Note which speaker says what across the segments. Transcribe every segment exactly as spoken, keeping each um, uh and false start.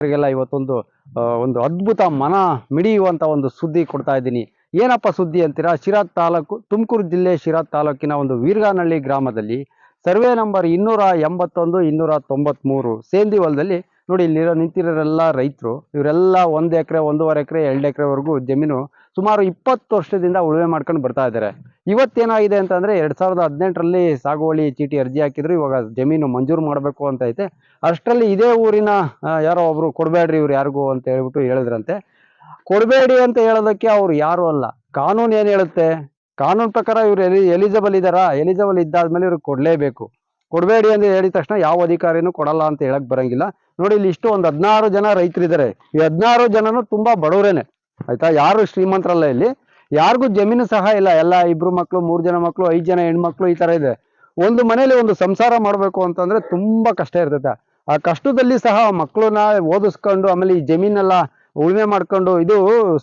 Speaker 1: ಗೆಲ್ಲ ಇವತ್ತೊಂದು ಒಂದು ಅದ್ಭುತ ಮನ ಮಿಡಿಯುವಂತ ಒಂದು ಸುದ್ದಿ ಕೊಡ್ತಾ ಇದ್ದೀನಿ. ಏನಪ್ಪ ಸುದ್ದಿ ಅಂತೀರಾ? ಶಿರಾ ತಾಲೂಕು, ತುಮಕೂರು ಜಿಲ್ಲೆ ಶಿರಾ ತಾಲೂಕಿನ ಒಂದು ವೀರಗಾನಹಳ್ಳಿ ಗ್ರಾಮದಲ್ಲಿ ಸರ್ವೆ ನಂಬರ್ ಇನ್ನೂರ ಎಂಬತ್ತೊಂದು ಇನ್ನೂರ ತೊಂಬತ್ಮೂರು ಸೇಂದಿ ಹೊಲದಲ್ಲಿ ನೋಡಿ, ಇಲ್ಲಿರೋ ನಿಂತಿರೋರೆಲ್ಲ ರೈತರು. ಇವರೆಲ್ಲ ಒಂದು ಎಕರೆ ಒಂದೂವರೆ ಎಕರೆ ಎರಡು ಎಕರೆವರೆಗೂ ಜಮೀನು ಸುಮಾರು ಇಪ್ಪತ್ತು ವರ್ಷದಿಂದ ಉಳುಮೆ ಮಾಡ್ಕೊಂಡು ಬರ್ತಾ ಇದ್ದಾರೆ. ಇವತ್ತೇನಾಗಿದೆ ಅಂತಂದ್ರೆ ಎರಡ್ ಸಾವಿರದ ಹದಿನೆಂಟರಲ್ಲಿ ಸಾಗುವಳಿ ಚೀಟಿ ಅರ್ಜಿ ಹಾಕಿದ್ರು. ಇವಾಗ ಜಮೀನು ಮಂಜೂರು ಮಾಡಬೇಕು ಅಂತ ಐತೆ. ಅಷ್ಟರಲ್ಲಿ ಇದೇ ಊರಿನ ಯಾರೋ ಒಬ್ರು ಕೊಡಬೇಡ್ರಿ ಇವ್ರು ಯಾರಿಗೂ ಅಂತ ಹೇಳ್ಬಿಟ್ಟು ಹೇಳಿದ್ರಂತೆ. ಕೊಡಬೇಡಿ ಅಂತ ಹೇಳೋದಕ್ಕೆ ಅವ್ರು ಯಾರು ಅಲ್ಲ, ಕಾನೂನು ಏನ್ ಹೇಳುತ್ತೆ? ಕಾನೂನು ಪ್ರಕಾರ ಇವ್ರು ಎಲಿ ಎಲಿಜಿಬಲ್ ಇದ್ದಾರಾ? ಎಲಿಜಿಬಲ್ ಇದ್ದಾದ್ಮೇಲೆ ಇವ್ರಿಗೆ ಕೊಡ್ಲೇಬೇಕು. ಕೊಡಬೇಡಿ ಅಂತ ಹೇಳಿದ ತಕ್ಷಣ ಯಾವ ಅಧಿಕಾರಿನೂ ಕೊಡಲ್ಲ ಅಂತ ಹೇಳಕ್ ಬರಂಗಿಲ್ಲ. ನೋಡಿ, ಇಲ್ಲಿ ಇಷ್ಟು ಒಂದು ಹದಿನಾರು ಜನ ರೈತರಿದ್ದಾರೆ. ಈ ಹದಿನಾರು ಜನನು ತುಂಬಾ ಬಡವರೇನೆ, ಆಯ್ತಾ? ಯಾರು ಶ್ರೀಮಂತರಲ್ಲ. ಇಲ್ಲಿ ಯಾರಿಗೂ ಜಮೀನು ಸಹ ಇಲ್ಲ. ಎಲ್ಲ ಇಬ್ರು ಮಕ್ಳು, ಮೂರು ಜನ ಮಕ್ಳು, ಐದು ಜನ ಹೆಣ್ಮಕ್ಳು, ಈ ತರ ಇದೆ. ಒಂದು ಮನೇಲಿ ಒಂದು ಸಂಸಾರ ಮಾಡ್ಬೇಕು ಅಂತಂದ್ರೆ ತುಂಬಾ ಕಷ್ಟ ಇರ್ತೈತೆ. ಆ ಕಷ್ಟದಲ್ಲಿ ಸಹ ಮಕ್ಕಳನ್ನ ಓದಿಸ್ಕೊಂಡು ಆಮೇಲೆ ಈ ಜಮೀನೆಲ್ಲ ಉಳುಮೆ ಮಾಡ್ಕೊಂಡು, ಇದು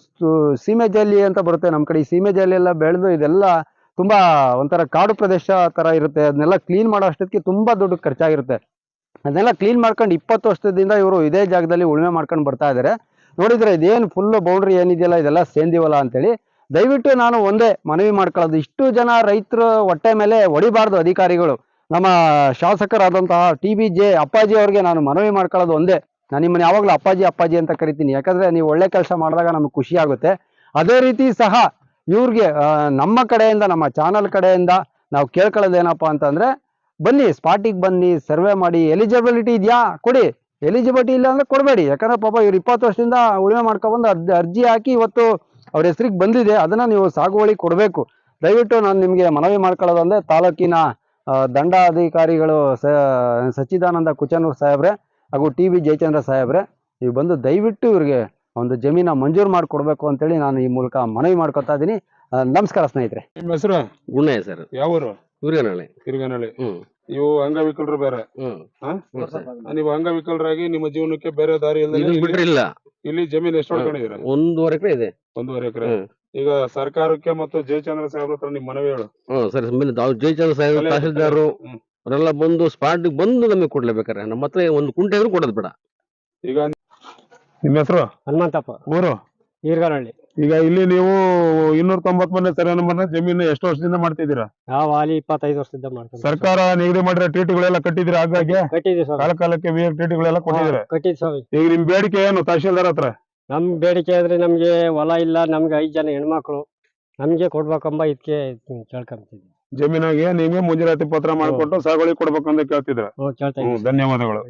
Speaker 1: ಸೀಮೆ ಜಾಲಿ ಅಂತ ಬರುತ್ತೆ ನಮ್ಮ ಕಡೆ. ಈ ಸೀಮೆ ಜಾಲಿ ಎಲ್ಲ ಬೆಳೆದು ಇದೆಲ್ಲ ತುಂಬಾ ಒಂಥರ ಕಾಡು ಪ್ರದೇಶ ತರ ಇರುತ್ತೆ. ಅದನ್ನೆಲ್ಲ ಕ್ಲೀನ್ ಮಾಡೋ ಅಷ್ಟೊತ್ತಿಗೆ ತುಂಬಾ ದುಡ್ಡು ಖರ್ಚಾಗಿರುತ್ತೆ. ಅದನ್ನೆಲ್ಲ ಕ್ಲೀನ್ ಮಾಡ್ಕೊಂಡು ಇಪ್ಪತ್ತು ವರ್ಷದಿಂದ ಇವರು ಇದೇ ಜಾಗದಲ್ಲಿ ಉಳುಮೆ ಮಾಡ್ಕೊಂಡು ಬರ್ತಾ ಇದ್ದಾರೆ. ನೋಡಿದ್ರೆ ಇದೇನು ಫುಲ್ ಬೌಂಡ್ರಿ ಏನಿದೆಯಲ್ಲ, ಇದೆಲ್ಲ ಸೇಂದಿ ಹೊಲ ಅಂತೇಳಿ. ದಯವಿಟ್ಟು ನಾನು ಒಂದೇ ಮನವಿ ಮಾಡ್ಕೊಳ್ಳೋದು, ಇಷ್ಟು ಜನ ರೈತರು ಹೊಟ್ಟೆ ಮೇಲೆ ಹೊಡಿಬಾರ್ದು ಅಧಿಕಾರಿಗಳು. ನಮ್ಮ ಶಾಸಕರಾದಂತಹ ಟಿ ಬಿ ಜೆ ಅಪ್ಪಾಜಿ ಅವ್ರಿಗೆ ನಾನು ಮನವಿ ಮಾಡ್ಕೊಳ್ಳೋದು ಒಂದೇ. ನಾನು ನಿಮ್ಮನ್ನ ಯಾವಾಗಲೂ ಅಪ್ಪಾಜಿ ಅಪ್ಪಾಜಿ ಅಂತ ಕರಿತೀನಿ, ಯಾಕಂದ್ರೆ ನೀವು ಒಳ್ಳೆ ಕೆಲಸ ಮಾಡಿದಾಗ ನಮ್ಗೆ ಖುಷಿ ಆಗುತ್ತೆ. ಅದೇ ರೀತಿ ಸಹ ಇವ್ರಿಗೆ ನಮ್ಮ ಕಡೆಯಿಂದ, ನಮ್ಮ ಚಾನಲ್ ಕಡೆಯಿಂದ ನಾವು ಕೇಳ್ಕೊಳ್ಳೋದೇನಪ್ಪ ಅಂತಂದ್ರೆ, ಬನ್ನಿ ಸ್ಪಾಟಿಗೆ ಬನ್ನಿ, ಸರ್ವೆ ಮಾಡಿ, ಎಲಿಜಿಬಿಲಿಟಿ ಇದೆಯಾ ಕೊಡಿ, ಎಲಿಜಿಬಿಲಿಟಿ ಇಲ್ಲ ಅಂದ್ರೆ ಕೊಡಬೇಡಿ. ಯಾಕಂದ್ರೆ ಪಾಪ ಇವ್ರು ಇಪ್ಪತ್ತು ವರ್ಷದಿಂದ ಉಳುಮೆ ಮಾಡ್ಕೊಬಂದು ಅರ್ಜಿ ಅರ್ಜಿ ಹಾಕಿ ಇವತ್ತು ಅವ್ರ ಹೆಸರಿಗೆ ಬಂದಿದೆ. ಅದನ್ನ ನೀವು ಸಾಗುವಳಿ ಕೊಡಬೇಕು. ದಯವಿಟ್ಟು ನಾನು ನಿಮಗೆ ಮನವಿ ಮಾಡ್ಕೊಳ್ಳೋದಂದ್ರೆ, ತಾಲೂಕಿನ ದಂಡಾಧಿಕಾರಿಗಳು ಸಚ್ಚಿದಾನಂದ ಕುಚನೂರ್ ಸಾಹೇಬ್ರೆ ಹಾಗೂ ಟಿ ವಿ ಜಯಚಂದ್ರ ಸಾಹೇಬ್ರೆ, ನೀವು ಬಂದು ದಯವಿಟ್ಟು ಇವ್ರಿಗೆ ಒಂದು ಜಮೀನ ಮಂಜೂರು ಮಾಡಿಕೊಡ್ಬೇಕು ಅಂತೇಳಿ ನಾನು ಈ ಮೂಲಕ ಮನವಿ ಮಾಡ್ಕೊತಾ ಇದ್ದೀನಿ. ನಮಸ್ಕಾರ ಸ್ನೇಹಿತರೆ.
Speaker 2: ನಿಮ್ಮ ಹೆಸರು?
Speaker 3: ಗುಣಯ್ಯ ಸರ್.
Speaker 2: ಯಾವ ಊರು?
Speaker 3: ವೀರಗಾನಹಳ್ಳಿ.
Speaker 2: ವೀರಗಾನಹಳ್ಳಿ.
Speaker 3: ಹ್ಮ್
Speaker 2: ನೀವು ಅಂಗವಿಕಲರು ಬೇರೆ?
Speaker 3: ಹ್ಮ್
Speaker 2: ನೀವು ಅಂಗವಿಕಲರಾಗಿ ನಿಮ್ಮ ಜೀವನಕ್ಕೆ ಬೇರೆ ದಾರಿ ಇಲ್ಲದೆ
Speaker 3: ಬಿಟ್ರೆ ಇಲ್ಲ.
Speaker 2: ಇಲ್ಲಿ ಜಮೀನು ಎಷ್ಟು ಹೊಡ್ಕೊಂಡಿದ್ದೀರಾ?
Speaker 3: ಒಂದೂವರೆ ಎಕರೆ ಇದೆ.
Speaker 2: ಒಂದೂವರೆ ಎಕರೆ. ಈಗ ಸರ್ಕಾರಕ್ಕೆ ಮತ್ತು ಜಯಚಂದ್ರ ಸಾಹೇಬ್ರ ಹತ್ರ ನಿಮ್ ಮನವಿ ಹೇಳು.
Speaker 3: ಹ್ಮ್ ಸರಿ. ಜಯಚಂದ್ರ ಸಾಹೇಬ್, ತಹಸೀಲ್ದಾರು ಅವರೆಲ್ಲ ಬಂದು ಸ್ಪಾಟ್ ಬಂದು ನಮಗೆ ಕೊಡ್ಲೇಬೇಕಾರೆ. ನಮ್ಮ ಹತ್ರ ಒಂದು ಕುಂಟೆ ಆದ್ರೂ ಕೊಡೋದು ಬೇಡ.
Speaker 2: ಈಗ ನಿಮ್ಮ ಹೆಸರು?
Speaker 1: ಹನುಮಂತಪ್ಪ.
Speaker 2: ಊರು?
Speaker 1: ವೀರಗಾನಹಳ್ಳಿ.
Speaker 2: ಈಗ ಇಲ್ಲಿ ನೀವು ಇನ್ನೂರ ತೊಂಬತ್ ಮನೆ ಸರ್ವೆ ನಂಬರ್ನ ಜಮೀನು ಎಷ್ಟು ವರ್ಷದಿಂದ ಮಾಡ್ತಿದ್ದೀರಾ?
Speaker 1: ನಾವು ಅಲ್ಲಿ ಇಪ್ಪತ್ತೈದು ವರ್ಷದಿಂದ ಮಾಡ್ತೀವಿ.
Speaker 2: ಸರ್ಕಾರ ನಿಗದಿ ಮಾಡಿರೋ ಟಿಟಿಗಳೆಲ್ಲ ಕಟ್ಟಿದ್ದೀರಾ? ಹಾಗಾಗಿ
Speaker 1: ಕಟ್ಟಿದ್ವಿ ಸರ್.
Speaker 2: ಕಾಲ ಕಾಲಕ್ಕೆ ಟಿಟಿಗಳೆಲ್ಲ ಕೊಟ್ಟಿದ್ದೀರಾ?
Speaker 1: ಕಟ್ಟಿದ್ ಸರ್.
Speaker 2: ಈಗ ನಿಮ್ ಬೇಡಿಕೆ ಏನು ತಹಶೀಲ್ದಾರ್ ಹತ್ರ?
Speaker 1: ನಮ್ ಬೇಡಿಕೆ ಅಂದ್ರೆ ನಮ್ಗೆ ಹೊಲ ಇಲ್ಲ, ನಮ್ಗೆ ಐದು ಜನ ಹೆಣ್ಮಕ್ಳು, ನಮ್ಗೆ ಕೊಡ್ಬೇಕಂಬ ಇದಕ್ಕೆ ಕೇಳ್ಕೊಂತಿದ್ವಿ.
Speaker 2: ಜಮೀನಾಗೆ ನಿಮ್ಗೆ ಮುಂಜಾನೆ ಪತ್ರ ಮಾಡಿಕೊಟ್ಟು ಸಾಗುವಳಿ ಕೊಡ್ಬೇಕಂತ ಕೇಳ್ತಿದ್ರ?
Speaker 1: ಕೇಳ್ತಾ
Speaker 2: ಧನ್ಯವಾದಗಳು.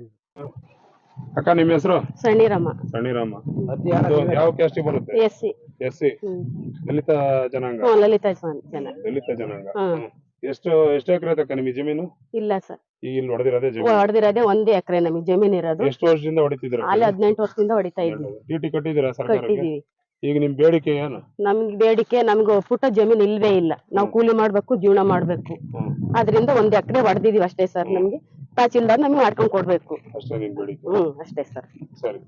Speaker 2: ಅಕ್ಕ, ನಿಮ್ಮ ಹೆಸರು?
Speaker 4: ಸಣ್ಣಿರಮ್ಮ.
Speaker 2: ಸಣ್ಣಿರಮ್ಮ. ಯಾವ ಕ್ಯಾಸ್ಟ್ ಬರುತ್ತೆ?
Speaker 4: S C.
Speaker 2: S C. ದಲಿತ ಜನಾಂಗ?
Speaker 4: ಲಲಿತ ಜನ.
Speaker 2: ದಲಿತ ಜನಾಂಗ. ಎಷ್ಟು ಎಷ್ಟು ಎಕರೆ ಐತಕ್ಕ ನಿಮಗೆ ಜಮೀನು?
Speaker 4: ಇಲ್ಲ ಸರ್,
Speaker 2: ಈಗ ಇಲ್ಲಿ ಹೊಡೆದಿರೋದೇ ಜಮೀನು?
Speaker 4: ಹೊಡೆದಿರೋದೇ ಒಂದೇ ಎಕರೆ ನಮಗೆ ಜಮೀನ್ ಇರೋದು.
Speaker 2: ಎಷ್ಟು ವರ್ಷದಿಂದ ಹೊಡಿತಿದ್ರ?
Speaker 4: ಅಲ್ಲಿ ಹದಿನೆಂಟು ವರ್ಷದಿಂದ ಹೊಡಿತಾ ಇದ್ವಿ.
Speaker 2: ಟಿಟಿ ಕಟ್ಟಿದ್ದೀರಾ ಸರ್ಕಾರಕ್ಕೆ?
Speaker 4: ಕಟ್ಟಿದೀವಿ.
Speaker 2: ಈಗ ನಿಮ್ ಬೇಡಿಕೆ ಏನು?
Speaker 4: ನಮ್ಗೆ ಬೇಡಿಕೆ, ನಮ್ಗೆ ಪುಟ್ಟ ಜಮೀನ್ ಇಲ್ವೇ ಇಲ್ಲ. ನಾವು ಕೂಲಿ ಮಾಡ್ಬೇಕು, ಜೀವನ ಮಾಡ್ಬೇಕು. ಅದ್ರಿಂದ ಒಂದ್ ಎಕರೆ ಹೊಡೆದಿದೀವಿ ಅಷ್ಟೇ ಸರ್. ನಮ್ಗೆ ತಹಸೀಲ್ದಾರ್ ನಮ್ಗೆ ಮಾಡ್ಕೊಂಡ್ ಕೊಡ್ಬೇಕು
Speaker 2: ಅಷ್ಟೇ ನಿಮ್ ಬೇಡಿಕೆ?
Speaker 4: ಹ್ಮ್, ಅಷ್ಟೇ ಸರ್.
Speaker 2: ಸರಿ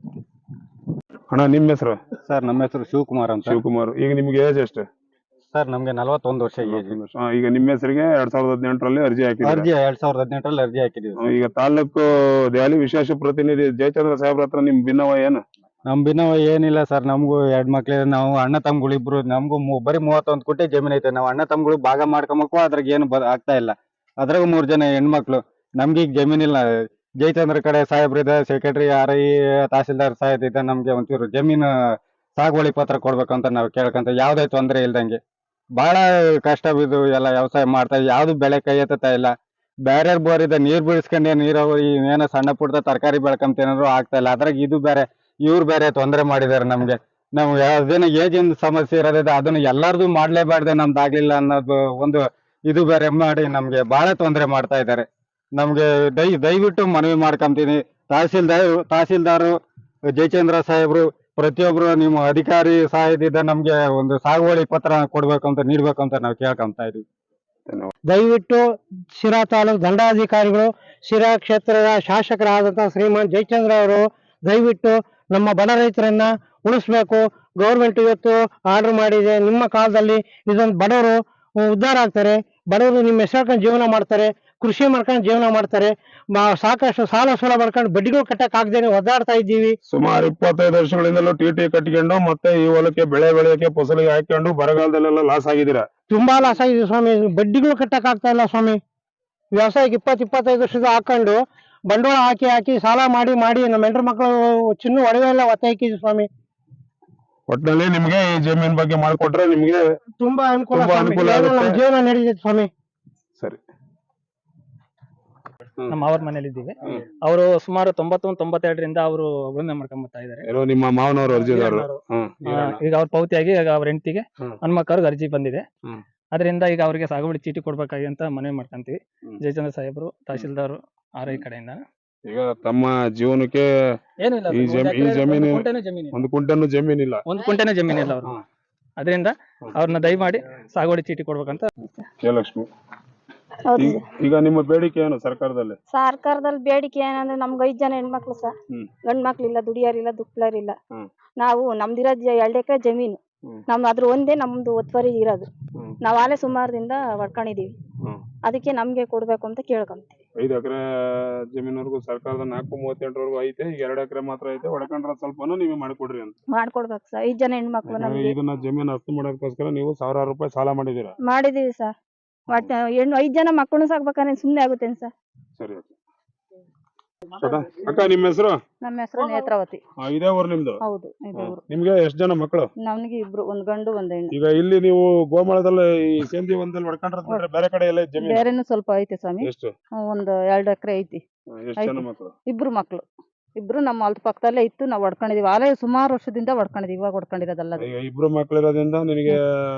Speaker 2: ಅಣ್ಣ, ನಿಮ್ಮ ಹೆಸರು?
Speaker 1: ಸರ್, ನಮ್ಮ ಹೆಸರು ಶಿವಕುಮಾರ್ ಅಂತ.
Speaker 2: ಶಿವಕುಮಾರ್. ಈಗ ನಿಮ್ಗೆ ಏಜ್ ಎಷ್ಟು?
Speaker 1: ಸರ್, ನಮ್ಗೆ ನಲವತ್ತೊಂದು ವರ್ಷ ಏಜ್.
Speaker 2: ಈಗ ನಿಮ್ಮ ಹೆಸರಿಗೆ ಎರಡ್ ಸಾವಿರದ ಹದಿನೆಂಟರಲ್ಲಿ ಅರ್ಜಿ ಹಾಕಿದ್ರಿ?
Speaker 1: ಅರ್ಜಿ ಎರಡ್ ಸಾವಿರದ ಹದಿನೆಂಟರಲ್ಲಿ ಅರ್ಜಿ ಹಾಕಿದೀವಿ.
Speaker 2: ಈಗ ತಾಲೂಕು ದೆಹಲಿ ವಿಶೇಷ ಪ್ರತಿನಿಧಿ ಜಯಚಂದ್ರ ಸಾಹೇಬ್ರ ಹತ್ರ ನಿಮ್ ಭಿನ್ನವ ಏನು?
Speaker 1: ನಮ್ ಭಿನ್ನವ ಏನಿಲ್ಲ ಸರ್. ನಮಗೂ ಎರಡ್ ಮಕ್ಳು, ನಾವು ಅಣ್ಣ ತಮ್ಗಳು ಇಬ್ರು. ನಮಗೂ ಬರೀ ಮೂವತ್ತೊಂದು ಕೋಟಿ ಜಮೀನ್ ಐತೆ. ನಾವು ಅಣ್ಣ ತಮ್ಗಳು ಭಾಗ ಮಾಡ್ಕೊಂಬಕು, ಅದ್ರಾಗ ಏನು ಆಗ್ತಾ ಇಲ್ಲ. ಅದ್ರಾಗ ಮೂರ್ ಜನ ಹೆಣ್ಮಕ್ಳು. ನಮ್ಗೆ ಈಗ ಜಮೀನ್ ಇಲ್ಲ. ಜಯಚಂದ್ರ ಕಡೆ ಸಾಹೇಬ್ರಿದೆ, ಸೆಕ್ರೆಟರಿ ಆರ್ ಐ, ತಹಸೀಲ್ದಾರ್ ಸಾಹೇಬ್ ಇದೆ. ನಮ್ಗೆ ಒಂಚೂರು ಜಮೀನು ಸಾಗುವಳಿ ಪತ್ರ ಕೊಡ್ಬೇಕಂತ ನಾವು ಕೇಳ್ಕೊಂತ, ಯಾವ್ದೇ ತೊಂದರೆ ಇಲ್ದಂಗೆ. ಬಹಳ ಕಷ್ಟ ಬಿದ್ದು ಎಲ್ಲ ವ್ಯವಸಾಯ ಮಾಡ್ತಾ, ಯಾವ್ದು ಬೆಳೆ ಕೈ ಎತ್ತತಾ ಇಲ್ಲ. ಬೇರೆ ಬೋರ್ ಇದೆ, ನೀರ್ ಬೀಳ್ಸ್ಕೊಂಡೆ ನೀರಾವರಿ ಏನೋ ಸಣ್ಣ ಪುಟ್ಟ ತರಕಾರಿ ಬೆಳ್ಕೊಂತೇನಾದ್ರು ಆಗ್ತಾ ಇಲ್ಲ. ಅದ್ರಾಗ ಇದು ಬೇರೆ, ಇವ್ರು ಬೇರೆ ತೊಂದರೆ ಮಾಡಿದಾರೆ ನಮ್ಗೆ. ನಾವು ಅದೇನೋ ಏಜಿನ ಸಮಸ್ಯೆ ಇರೋದಿದೆ, ಅದನ್ನ ಎಲ್ಲಾರ್ದು ಮಾಡ್ಲೇಬಾರ್ದೆ, ನಮ್ದು ಆಗ್ಲಿಲ್ಲ ಅನ್ನೋದು ಒಂದು ಇದು ಬೇರೆ ಮಾಡಿ ನಮ್ಗೆ ಬಹಳ ತೊಂದರೆ ಮಾಡ್ತಾ ಇದ್ದಾರೆ. ನಮ್ಗೆ ದಯ ದಯವಿಟ್ಟು ಮನವಿ ಮಾಡ್ಕೊಂತೀನಿ, ತಹಸೀಲ್ದಾರ್ ತಹಸೀಲ್ದಾರು ಜಯಚಂದ್ರ ಸಾಹೇಬ್ರು ಪ್ರತಿಯೊಬ್ರು ನಿಮ್ಮ ಅಧಿಕಾರಿ ಸಹಾಯದಿಂದ ನಮ್ಗೆ ಒಂದು ಸಾಗುವಳಿ ಪತ್ರ ಕೊಡ್ಬೇಕಂತ ನೀಡ್ಬೇಕಂತ ನಾವು ಕೇಳ್ಕೊಂತ ಇದೀವಿ.
Speaker 5: ದಯವಿಟ್ಟು ಶಿರಾ ತಾಲೂಕು ದಂಡಾಧಿಕಾರಿಗಳು, ಶಿರಾ ಕ್ಷೇತ್ರದ ಶಾಸಕರಾದಂತಹ ಶ್ರೀಮಾನ್ ಜಯಚಂದ್ರ ಅವರು ದಯವಿಟ್ಟು ನಮ್ಮ ಬಡ ರೈತರನ್ನ ಉಳಿಸ್ಬೇಕು. ಗೌರ್ಮೆಂಟ್ ಇವತ್ತು ಆರ್ಡರ್ ಮಾಡಿದೆ, ನಿಮ್ಮ ಕಾಲದಲ್ಲಿ ಇದೊಂದು ಬಡವರು ಉದ್ಧಾರ ಆಗ್ತಾರೆ, ಬಡವರು ನಿಮ್ಮ ಹೆಸರು ಜೀವನ ಮಾಡ್ತಾರೆ. ಕೃಷಿ ಮಾಡ್ಕೊಂಡು ಜೀವನ ಮಾಡ್ತಾರೆ. ಮ- ಸಾಕಷ್ಟು ಸಾಲ ಸೂಲ ಮಾಡ್ಕೊಂಡು ಬಡ್ಡಿಗಳು ಕಟ್ಟಕ್ ಆಗದೇನೆ ಒದ್ದಾಡ್ತಾ ಇದ್ದೀವಿ.
Speaker 2: ಸುಮಾರು ಇಪ್ಪತ್ತೈದು ವರ್ಷಗಳಿಂದಲೂ ಟಿ ಟಿ ಕಟ್ಕೊಂಡು ಮತ್ತೆ ಈ ಹೊಲಕ್ಕೆ ಬೆಳೆ ಬೆಳೆಯಕ್ಕೆ ಫಸಲಿಗೆ ಹಾಕೊಂಡು ಬರಗಾಲದಲ್ಲೆಲ್ಲ ಲಾಸ್ ಆಗಿದ್ದೀರಾ.
Speaker 5: ತುಂಬಾ ಲಾಸ್ ಆಗಿದೆ ಸ್ವಾಮಿ, ಬಡ್ಡಿಗಳು ಕಟ್ಟಕ್ ಆಗ್ತಾ ಇಲ್ಲ ಸ್ವಾಮಿ. ವ್ಯವಸಾಯಕ್ಕೆ ಇಪ್ಪತ್ ಇಪ್ಪತ್ತೈದು ವರ್ಷದ ಹಾಕೊಂಡು ಬಂಡವಾಳ ಹಾಕಿ ಹಾಕಿ ಸಾಲ ಮಾಡಿ ಮಾಡಿ ನಮ್ಮ ಹೆಂಡ್ರ ಮಕ್ಕಳು ಚಿನ್ನ ಒಡವೆ ಎಲ್ಲ ಒತ್ತೆ ಹಾಕಿದ್ವಿ ಸ್ವಾಮಿ.
Speaker 2: ಒಟ್ಟಿನಲ್ಲಿ ನಿಮ್ಗೆ ಈ ಜಮೀನ್ ಬಗ್ಗೆ ಮಾಡ್ಕೊಟ್ರೆ ನಿಮ್ಗೆ
Speaker 5: ತುಂಬಾ ಅನುಕೂಲ
Speaker 2: ತುಂಬಾ
Speaker 5: ಸ್ವಾಮಿ.
Speaker 2: ಅನುಕೂಲ
Speaker 5: ಇವಾಗ
Speaker 2: ಆಗುತ್ತೆ.
Speaker 5: ನಮ್ಮ ಜೀವನ ನಡೀತೈತೆ ಸ್ವಾಮಿ.
Speaker 2: ಸರಿ.
Speaker 6: ನಮ್ಮ ಅವ್ರ ಮನೇಲಿ ಇದ್ದೀವಿ. ಅವರು ಸುಮಾರು ತೊಂಬತ್ತೊಂದು ತೊಂಬತ್ತೆರಡರಿಂದ ಅವರು ಉಳುಮೆ ಮಾಡ್ಕೊಂಡ್ ಬರ್ತಾ ಇದಾರೆ.
Speaker 2: ಏನೋ ನಿಮ್ಮ ಮಾವನವರು ಅರ್ಜಿದಾರರು. ಹ್ಮ್
Speaker 6: ಆ, ಈಗ ಅವ್ರ ಪೌತಿಯಾಗಿ ಈಗ ಅವ್ರ ಹೆಂಡತಿಗೆ
Speaker 2: ಹ್ಮ್.
Speaker 6: ಹನುಮಕ್ಕವ್ರಿಗೆ ಅರ್ಜಿ ಬಂದಿದೆ.
Speaker 2: ಹ್ಮ್.
Speaker 6: ಅದರಿಂದ ಈಗ ಅವರಿಗೆ ಸಾಗುವಳಿ ಚೀಟಿ ಕೊಡ್ಬೇಕಾಗಿ ಅಂತ ಮನವಿ ಮಾಡ್ಕೊಂತೀವಿ.
Speaker 2: ಹ್ಮ್.
Speaker 6: ಜಯಚಂದ್ರ ಸಾಹೇಬರು, ತಹಶೀಲ್ದಾರ್ ಆರ್ ಐ ಕಡೆಯಿಂದ
Speaker 2: ಈಗ ತಮ್ಮ ಜೀವನಕ್ಕೆ
Speaker 6: ಏನಿಲ್ಲ
Speaker 2: ಈ
Speaker 6: ಸರ್,
Speaker 2: ಜಮೀ-
Speaker 6: ಒಂದು
Speaker 2: ಈ
Speaker 6: ಎಕರೆ-
Speaker 2: ಜಮೀನು-
Speaker 6: ಒಂದು ಕುಂಟೆನೂ ಜಮೀನಿಲ್ಲ.
Speaker 2: ಒಂದು ಕುಂಟನ್ನು ಜಮೀನಿಲ್ಲ.
Speaker 6: ಒಂದು ಕುಂಟೆನೂ ಜಮೀನಿಲ್ಲ ಅವ್ರು.
Speaker 2: ಹ್ಮ್.
Speaker 6: ಅದರಿಂದ ಅವ್ರನ್ನ ದಯಮಾಡಿ ಸಾಗುವಳಿ ಚೀಟಿ ಕೊಡ್ಬೇಕಂತ.
Speaker 2: ಜಯಲಕ್ಷ್ಮಿ,
Speaker 7: ಹೌದು
Speaker 2: ಈ- ಈಗ ನಿಮ್ಮ ಬೇಡಿಕೆ ಏನು ಸರ್ಕಾರದಲ್ಲಿ?
Speaker 7: ಸರ್ಕಾರದಲ್ಲಿ ಬೇಡಿಕೆ ಏನಂದ್ರೆ ನಮ್ಗೆ ಐದ್ ಜನ ಹೆಣ್ಮಕ್ಳು ಸರ್.
Speaker 2: ಹ್ಮ್.
Speaker 7: ಗಂಡ್ ಮಕ್ಳಿಲ್ಲ, ದುಡಿಯಾರಿಲ್ಲ, ದುಕ್ಲರಿಲ್ಲ.
Speaker 2: ಹ್ಮ್.
Speaker 7: ನಾವು ನಮ್ದಿರೋದ್ ಎರಡ್ ಎಕರೆ ಜಮೀನು.
Speaker 2: ಹ್ಮ್.
Speaker 7: ನಮ್ ಅದ್ರ ಒಂದೇ ನಮ್ದು ಒತ್ತುವರಿ ಇರೋದು.
Speaker 2: ಹ್ಮ್.
Speaker 7: ನಾವ್ ಆಲೆ ಸುಮಾರದಿಂದ ಹೊಡ್ಕೊಂಡಿದೀವಿ.
Speaker 2: ಹ್ಮ್.
Speaker 7: ಅದಕ್ಕೆ ನಮ್ಗೆ ಕೊಡ್ಬೇಕು ಅಂತ ಕೇಳ್ಕೊಂತೀವಿ.
Speaker 2: ಐದು ಎಕರೆ ಜಮೀನವರೆಗೂ ಸರ್ಕಾರದ ನಾಲ್ಕು ಮೂವತ್ತೆಂಟರವರೆಗೂ ಐತೆ. ಈಗ ಎರಡು ಎಕರೆ ಮಾತ್ರ ಐತೆ. ಹೊಡ್ಕೊಂಡ್ರ ಸ್ವಲ್ಪನೂ ನೀವೇ ಮಾಡಿಕೊಡ್ರಿ ಅಂತ.
Speaker 7: ಮಾಡ್ಕೊಡ್ಬೇಕು ಸರ್. ಐದ್ ಜನ ಹೆಣ್ಮಕ್ಳು
Speaker 2: ಯಾಕಂದ್ರೆ
Speaker 7: ನಮ್ಗೆ
Speaker 2: ಇದನ್ನ ಜಮೀನು ಹಸ್ತು ಮಾಡೋದಕ್ಕೋಸ್ಕರ ನೀವು ಸಾವಿರಾರು ರೂಪಾಯಿ ಸಾಲ ಮಾಡಿದೀರಾ.
Speaker 7: ಮಾಡಿದೀವಿ ಸರ್. ಒಟ್ಟು ಹೆಣ್ಣು ಐದ್ ಜನ ಮಕ್ಕಳು ಸಾಕ್ಬೇಕಾದ್ರೆ ಸುಮ್ನೆ ಆಗುತ್ತೇನ್ ಸರ್?
Speaker 2: ಸರಿ ಅಕ್ಕ. ಶ್ವೇತಾ, ಅಕ್ಕ ನಿಮ್ಮ ಹೆಸರು?
Speaker 7: ನಮ್ಮ ಹೆಸರು ನೇತ್ರಾವತಿ.
Speaker 2: ಆ, ಇದೇ ಊರು ನಿಮ್ದು?
Speaker 7: ಹೌದು, ಇದೆ ಊರು.
Speaker 2: ನಿಮ್ಗೆ ಎಷ್ಟು ಜನ ಮಕ್ಕಳು?
Speaker 7: ನಮ್ಗೆ ಇಬ್ರು, ಒಂದ್ ಗಂಡು ಒಂದ್ ಹೆಣ್ಣು.
Speaker 2: ಈಗ ಇಲ್ಲಿ ನೀವು ಗೋಮಾಳದಲ್ಲಿ ಈ ಸೇಂದಿ ಒಂದಲ್ಲಿ ಹೊಡ್ಕೊಂಡ್ರೆ ಬಿಟ್ರೆ ಬೇರೆ ಕಡೆ ಎಲ್ಲ ಜಮೀನು
Speaker 7: ಬೇರೆನು ಸ್ವಲ್ಪ ಐತೆ ಸ್ವಾಮಿ.
Speaker 2: ಎಷ್ಟು?
Speaker 7: ಒಂದ್ ಎರಡ್ ಎಕರೆ ಐತಿ.
Speaker 2: ಆ, ಎಷ್ಟು ಜನ
Speaker 7: ಐತೆ.
Speaker 2: ಮಕ್ಕಳು?
Speaker 7: ಇಬ್ರು ಮಕ್ಳು. ಇಬ್ರು ನಮ್ಮ ಹೊಲದ ಪಕ್ಕದಲ್ಲೇ ಇತ್ತು, ನಾವ್ ಹೊಡ್ಕೊಂಡಿದೀವಿ. ಆಲೇ ಸುಮಾರು ವರ್ಷದಿಂದ ಹೊಡ್ಕೊಂಡಿದೀವಿ, ಇವಾಗ ಹೊಡ್ಕೊಂಡಿರೋದಲ್ಲ ಅದು.
Speaker 2: ಈಗ ಇಬ್ರು ಮಕ್ಕಳಿರೋದ್ರಿಂದ ನಿನಗೆ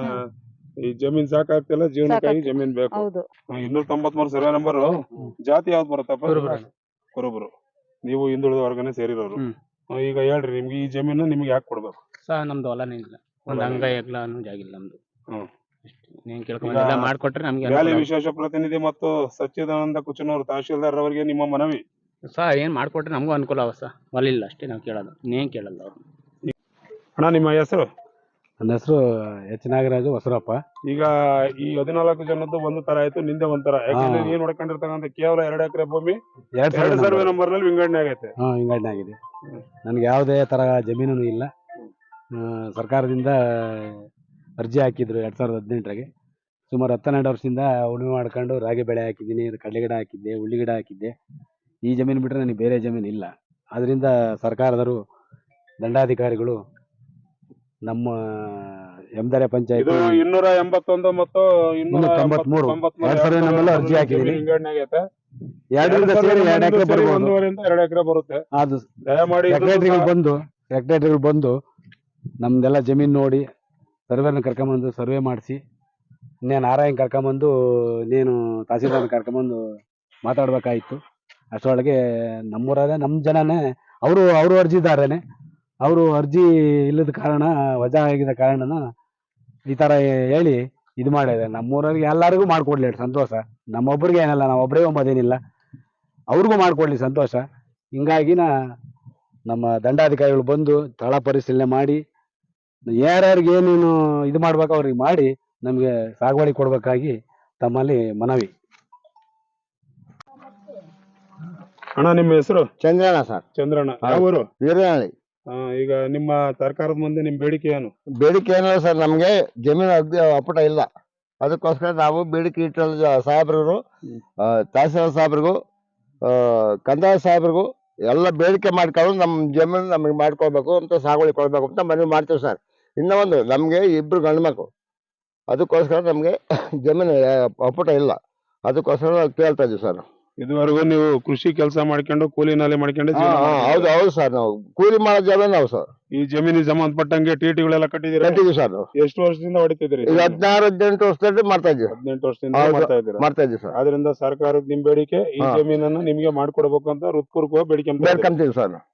Speaker 2: ಈ ಜಮೀನ್ ಸಾಕಾಗ್ತಿಲ್ಲ, ಜೀವನಕ್ಕಾಗಿ
Speaker 7: ಸಾಕಾಗ್ತಿಲ್ಲ.
Speaker 2: ಜಮೀನ್ ಬೇಕು.
Speaker 7: ಹೌದು.
Speaker 2: ಆ, ಇನ್ನೂರ ತೊಂಬತ್ಮೂರು ಸರ್ವೆ ನಂಬರ್. ಜಾತಿ ಯಾವ್ದು ಬರುತ್ತಪ್ಪ? ಕುರುಬರು. ನೀವು ಹಿಂದುಳಿದ ವರ್ಗನೆ ಸೇರಿರೋರು.
Speaker 1: ಹ್ಮ್.
Speaker 2: ಆ, ಈಗ ಹೇಳ್ರಿ, ನಿಮ್ಗೆ ಈ ಜಮೀನು ನಿಮ್ಗೆ ಯಾಕೆ ಕೊಡ್ಬೇಕು?
Speaker 8: ಸರ್ ನಮ್ದು ಹೊಲನೇ ಇಲ್ಲ, ಒಂದ್ ಅಂಗ ಎಗ್ಲ ಅನ್ನೋ ಜಾಗಿಲ್ಲ ನಮ್ದು.
Speaker 2: ಹ್ಮ್.
Speaker 8: ನೀನ್ ಕೇಳ್ಕೊಂಡ್ ಮಾಡ್ಕೊಟ್ರೆ ನಮ್ಗೆ
Speaker 2: ವ್ಯಾಲಿ
Speaker 8: ಅನುಕೂಲ.
Speaker 2: ವಿಶೇಷ ಪ್ರತಿನಿಧಿ ಮತ್ತು ಸಚ್ಚಿದಾನಂದ ಕುಚನೂರು ತಹಶೀಲ್ದಾರ್ ಅವರಿಗೆ ನಿಮ್ಮ ಮನವಿ.
Speaker 8: ಸರ್ ಏನ್ ಮಾಡ್ಕೊಟ್ರೆ ನಮಗೂ ಅನುಕೂಲ ಅವ ಸರ್. ಹೊಲ ಇಲ್ಲ ಅಷ್ಟೇ ನಾವು ಕೇಳೋದು, ನೀನ್ ಕೇಳಲ್ಲ ಅವ್ರು.
Speaker 2: ಅಣ್ಣ ನಿಮ್ಮ ಹೆಸರು?
Speaker 1: ನನ್ನ ಹೆಸರು ಎಚ್ ನಾಗರಾಜು ಹೊಸರಪ್ಪ.
Speaker 2: ಈಗ ಈ ಹದಿನಾಲ್ಕು ಜನದ್ದು ಒಂದು ತರ ಆಯ್ತು, ನಿಂದೆ ಒಂಥರ. ಯಾಕಂದ್ರೆ
Speaker 1: ಹಾ.
Speaker 2: ನೀನ್ ನೋಡ್ಕೊಂಡಿರ್ತಕ್ಕಂಥ ಕೇವಲ ಎರಡು ಎಕರೆ ಭೂಮಿ
Speaker 1: ಎರಡ್
Speaker 2: ಎರಡು ಸರ್ವೆ
Speaker 1: ಸಾವಿರ
Speaker 2: ನಂಬರ್ ನಲ್ಲಿ ವಿಂಗಡಣೆ ಆಗೈತೆ.
Speaker 1: ಹಾ ವಿಂಗಡಣೆ ಆಗಿದೆ. ನನಗೆ ಯಾವುದೇ ತರ ಜಮೀನು ಇಲ್ಲ. ಆ, ಸರ್ಕಾರದಿಂದ ಅರ್ಜಿ ಹಾಕಿದ್ರು ಎರಡ್ ಸಾವಿರದ ಹದಿನೆಂಟರಾಗೆ. ಸುಮಾರು ಹತ್ತೆರಡು ವರ್ಷದಿಂದ ಉಳುಮೆ ಮಾಡ್ಕೊಂಡು ರಾಗಿ ಬೆಳೆ ಹಾಕಿದ್ದೀನಿ, ಕಡಲೆ ಗಿಡ ಹಾಕಿದ್ದೆ, ಉಳ್ಳಿ ಗಿಡ ಹಾಕಿದ್ದೆ. ಈ ಜಮೀನು ಬಿಟ್ಟರೆ ನನಗೆ ಬೇರೆ ಜಮೀನು ಇಲ್ಲ. ಅದರಿಂದ ಸರ್ಕಾರದವರು, ದಂಡಾಧಿಕಾರಿಗಳು ನಮ್ಮ ಎಮ್ದರೆ
Speaker 2: ಇದು
Speaker 1: ಪಂಚಾಯತ್
Speaker 2: ಇನ್ನೂರ ಎಂಬತ್ತೊಂದು ಮತ್ತು ಇನ್ನೂರ
Speaker 1: ತೊಂಬತ್ಮೂರು
Speaker 2: ತೊಂಬತ್ಮೂರು
Speaker 1: ಎರಡ್ ಸರ್ವೆ ನಂಬರ್ ಅರ್ಜಿ ಹಾಕಿದ್ದೀನಿ.
Speaker 2: ವಿಂಗಡಣೆ ಆಗೈತೆ.
Speaker 1: ಎರಡರಿಂದ ಸೇರಿ ಎರಡು ಎಕರೆ ಬರ್ಬೋದು.
Speaker 2: ಒಂದೂವರೆಯಿಂದ ಎರಡು ಎಕರೆ ಬರುತ್ತೆ.
Speaker 1: ಅದು
Speaker 2: ದಯಮಾಡಿ ಇದನ್ನು
Speaker 1: ಸೆಕ್ರೆಟರಿಗಳು
Speaker 2: ಸಹ-
Speaker 1: ಬಂದು ಸೆಕ್ರೆಟರಿಗಳು ಬಂದು ನಮ್ದೆಲ್ಲ ಜಮೀನು ನೋಡಿ ಸರ್ವೆನ ಕರ್ಕೊಂಬಂದು ಸರ್ವೆ ಮಾಡಿಸಿ, ಇನ್ನೇನು ನಾರಾಯಣ್ ಕರ್ಕೊಂಬಂದು ನೀನು ತಹಸೀಲ್ದಾರ್ ಕರ್ಕೊಂಬಂದು ಮಾತಾಡ್ಬೇಕಾಯ್ತು. ಅಷ್ಟರೊಳಗೆ ನಮ್ಮೂರೇ ನಮ್ಮ ಜನನೇ ಅವರು ಅವರು ಅರ್ಜಿದಾರನೇ. ಅವರು ಅರ್ಜಿ ಇಲ್ಲದ ಕಾರಣ, ವಜಾ ಆಗಿದ ಕಾರಣನ ಈ ಥರ ಹೇಳಿ ಇದು ಮಾಡಿದೆ. ನಮ್ಮೂರವ್ರಿಗೆ ಎಲ್ಲರಿಗೂ ಮಾಡಿಕೊಡ್ಲಿ ಸಂತೋಷ. ನಮ್ಮೊಬ್ರಿಗೆ ಏನಲ್ಲ, ನಾವು ಒಬ್ಬರೇ ಒಂಬದೇನಿಲ್ಲ, ಅವ್ರಿಗೂ ಮಾಡಿಕೊಡ್ಲಿ ಸಂತೋಷ. ಹಿಂಗಾಗಿನ ನಮ್ಮ ದಂಡಾಧಿಕಾರಿಗಳು ಬಂದು ಸ್ಥಳ ಪರಿಶೀಲನೆ ಮಾಡಿ ಯಾರ್ಯಾರಿಗೆ ಏನೇನು ಇದು ಮಾಡ್ಬೇಕು ಅವ್ರಿಗೆ ಮಾಡಿ ನಮಗೆ ಸಾಗುವಳಿ ಕೊಡ್ಬೇಕಾಗಿ ತಮ್ಮಲ್ಲಿ ಮನವಿ.
Speaker 2: ಅಣ್ಣ ನಿಮ್ಮ ಹೆಸರು?
Speaker 9: ಚಂದ್ರಣ್ಣ ಸರ್,
Speaker 2: ಚಂದ್ರಣ್ಣ. ಯಾವ ಊರು?
Speaker 9: ವೀರನಹಳ್ಳಿ.
Speaker 2: ಆ, ಈಗ ನಿಮ್ಮ ಸರ್ಕಾರದ ಮುಂದೆ ನಿಮ್ ಬೇಡಿಕೆ ಏನು?
Speaker 9: ಬೇಡಿಕೆ ಏನಿಲ್ಲ ಸರ್, ನಮಗೆ ಜಮೀನು ಅಗ್ದಿ ಅಪ್ಪಟ ಇಲ್ಲ. ಅದಕ್ಕೋಸ್ಕರ ನಾವು ಬೇಡಿಕೆ ಇಟ್ಟಲ್ಲ ಸಾಹೇಬ್ರಿಗೂ, ತಹಸೀಲ್ದಾರ್ ಸಾಹೇಬ್ರಿಗೂ, ಕಂದಾಯ ಸಾಹೇಬ್ರಿಗೂ ಎಲ್ಲ ಬೇಡಿಕೆ ಮಾಡ್ಕೊಂಡು ನಮ್ಮ ಜಮೀನು ನಮಗೆ ಮಾಡ್ಕೊಳ್ಬೇಕು ಅಂತ, ಸಾಗುವಳಿ ಕೊಡ್ಬೇಕು ಅಂತ ಮನವಿ ಮಾಡ್ತೀವಿ ಸರ್. ಇನ್ನೂ ಒಂದು, ನಮಗೆ ಇಬ್ರು ಗಂಡು ಮಕ್ಕಳು, ಅದಕ್ಕೋಸ್ಕರ ನಮಗೆ ಜಮೀನು ಅಪ್ಪಟ ಇಲ್ಲ. ಅದಕ್ಕೋಸ್ಕರ ನಾವು ಕೇಳ್ತಾ ಇದ್ದೀವಿ ಸರ್.
Speaker 2: ಇದುವರೆಗೂ ನೀವು ಕೃಷಿ ಕೆಲಸ ಮಾಡ್ಕೊಂಡು ಕೂಲಿ ನಾಲಿ ಮಾಡ್ಕೊಂಡು ಜೀವನ
Speaker 9: ಹಾ,
Speaker 2: ಮಾಡ್ತಿದ್ದೀರಾ?
Speaker 9: ಹೌದು ಹೌದು ಸರ್, ನಾವು ಕೂಲಿ ಮಾಡೋ ಜಮೀನು ನಾವು ಸರ್.
Speaker 2: ಈ ಜಮೀನಿಗೆ ಸಂಬಂಧಪಟ್ಟಂಗೆ ಟಿಟಿಗಳೆಲ್ಲ ಕಟ್ಟಿದ್ದೀರಾ?
Speaker 9: ಕಟ್ಟಿದ್ದೀವಿ ಸರ್. ನಾವು
Speaker 2: ಎಷ್ಟು ವರ್ಷದಿಂದ ಹೊಡಿತಿದ್ದೀರಿ?
Speaker 9: ಈಗ ಹದಿನಾರು ಹದಿನೆಂಟು ವರ್ಷದಲ್ಲಿ ಮಾಡ್ತಾ ಇದ್ದೀವಿ
Speaker 2: ಹದಿನೆಂಟು ವರ್ಷದಿಂದ
Speaker 9: ಹೌದು.
Speaker 2: ಮಾಡ್ತಾ ಇದ್ದೀರಾ?
Speaker 9: ಮಾಡ್ತಾ ಇದ್ದೀವಿ ಸರ್.
Speaker 2: ಆದ್ರಿಂದ ಸರ್ಕಾರದ ನಿಮ್ ಬೇಡಿಕೆ ಈ
Speaker 9: ಹಾ.
Speaker 2: ಜಮೀನನ್ನು ನಿಮ್ಗೆ ಮಾಡ್ಕೊಡ್ಬೇಕು ಅಂತ ಹೃತ್ಪೂರ್ವಕವಾಗಿ ಬೇಡಿಕೆ
Speaker 9: ಬೇಡ್ಕೊಂತೀವಿ ಸರ್.